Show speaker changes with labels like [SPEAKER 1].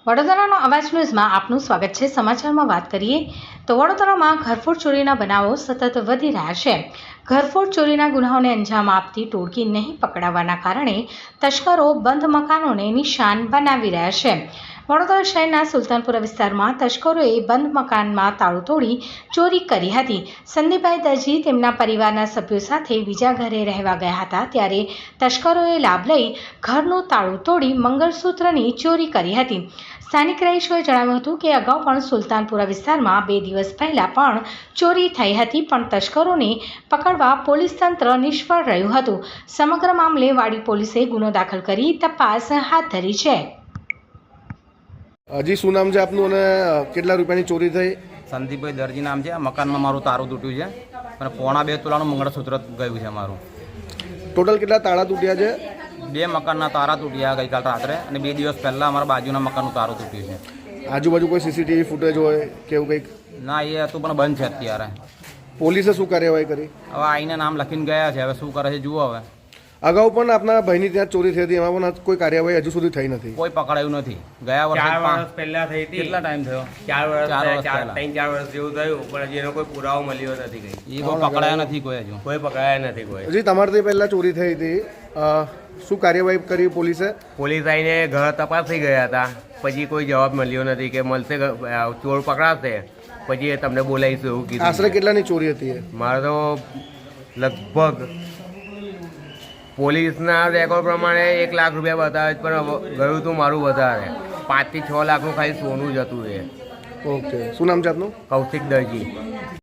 [SPEAKER 1] વડોદરાનો અવાજ ન્યૂઝમાં આપનું સ્વાગત છે। સમાચારમાં વાત કરીએ તો વડોદરામાં ઘરફોડ ચોરીના બનાવો સતત વધી રહ્યા છે। ઘરફોડ ચોરીના ગુનાઓને અંજામ આપતી ટોળકી નહીં પકડાવાના કારણે તસ્કરો બંધ મકાનોને નિશાન બનાવી રહ્યા છે। વડોદરા શહેરના સુલતાનપુરા વિસ્તારમાં તસ્કરોએ બંધ મકાનમાં તાળું તોડી ચોરી કરી હતી। સંદીપભાઈ દરજી તેમના પરિવારના સભ્યો સાથે બીજા ઘરે રહેવા ગયા હતા ત્યારે તસ્કરોએ લાભ લઈ ઘરનું તાળું તોડી મંગળસૂત્રની ચોરી કરી હતી। સ્થાનિક રહીશોએ જણાવ્યું હતું કે અગાઉ પણ સુલતાનપુરા વિસ્તારમાં 2 દિવસ પહેલા પણ ચોરી થઈ હતી પણ તસ્કરોને પકડવા પોલીસ તંત્ર નિષ્ફળ રહ્યું હતું। સમગ્ર મામલે વાડી પોલીસે ગુનો દાખલ કરી તપાસ હાથ ધરી છે।
[SPEAKER 2] હજી શું નામ છે આપનું અને કેટલા રૂપિયાની ચોરી થઈ?
[SPEAKER 3] સંદીપભાઈ દરજી નામ છે। મકાનમાં મારું તારું તૂટ્યું છે અને 1.25 તોલાનું મંગળસૂત્ર ગયું છે મારું।
[SPEAKER 2] ટોટલ કેટલા તાળા તૂટ્યા છે?
[SPEAKER 3] 2 મકાનના તારા તૂટ્યા ગઈકાલ રાત્રે અને 2 દિવસ પહેલાં અમારા બાજુના મકાનનું તારું તૂટ્યું છે।
[SPEAKER 2] આજુબાજુ કોઈ સીસીટીવી ફૂટેજ હોય કે એવું કંઈક?
[SPEAKER 3] ના, એ હતું પણ બંધ છે અત્યારે।
[SPEAKER 2] પોલીસે શું કાર્યવાહી કરી?
[SPEAKER 3] હવે આઈને નામ લખીને ગયા છે, હવે શું કરે છે જુઓ। હવે
[SPEAKER 2] અગાઉ પણ આપના ભાઈની ત્યાં ચોરી થઈ હતી, એમાં પણ કોઈ કાર્યવાહી હજુ સુધી થઈ નથી?
[SPEAKER 3] કોઈ પકડાયું નથી। ગયા વર્ષે
[SPEAKER 4] 4 વર્ષ પહેલા થઈ હતી।
[SPEAKER 3] કેટલા ટાઈમ થયો?
[SPEAKER 4] 4 વર્ષ
[SPEAKER 3] 4
[SPEAKER 4] વર્ષ જેવું થયું પણ હજી એનો કોઈ પુરાવો મળ્યો નથી। કઈ
[SPEAKER 3] એ કોઈ પકડાયા નથી કોઈ હજુ।
[SPEAKER 4] કોઈ પકડાયા નથી કોઈ।
[SPEAKER 2] હજી તમારાથી પહેલાં ચોરી થઈ હતી, શું કાર્યવાહી કરી પોલીસે?
[SPEAKER 4] પોલીસ આવીને ઘર તપાસી ગયા હતા, પછી કોઈ જવાબ મળ્યો નથી કે મળશે ચોર પકડાશે પછી એ તમને બોલાવીશું એવું કીધું।
[SPEAKER 2] આશરે કેટલાની ચોરી હતી?
[SPEAKER 4] મારે તો લગભગ પોલીસના રેકોર્ડ પ્રમાણે 1 લાખ રૂપિયા બતાવે પણ ગયું હતું મારું વધારે, 5 થી 6 લાખનું ખાલી સોનું જ હતું એ।
[SPEAKER 2] ઓકે, શું નામ છે આપનું?
[SPEAKER 4] કૌશિક દરજી।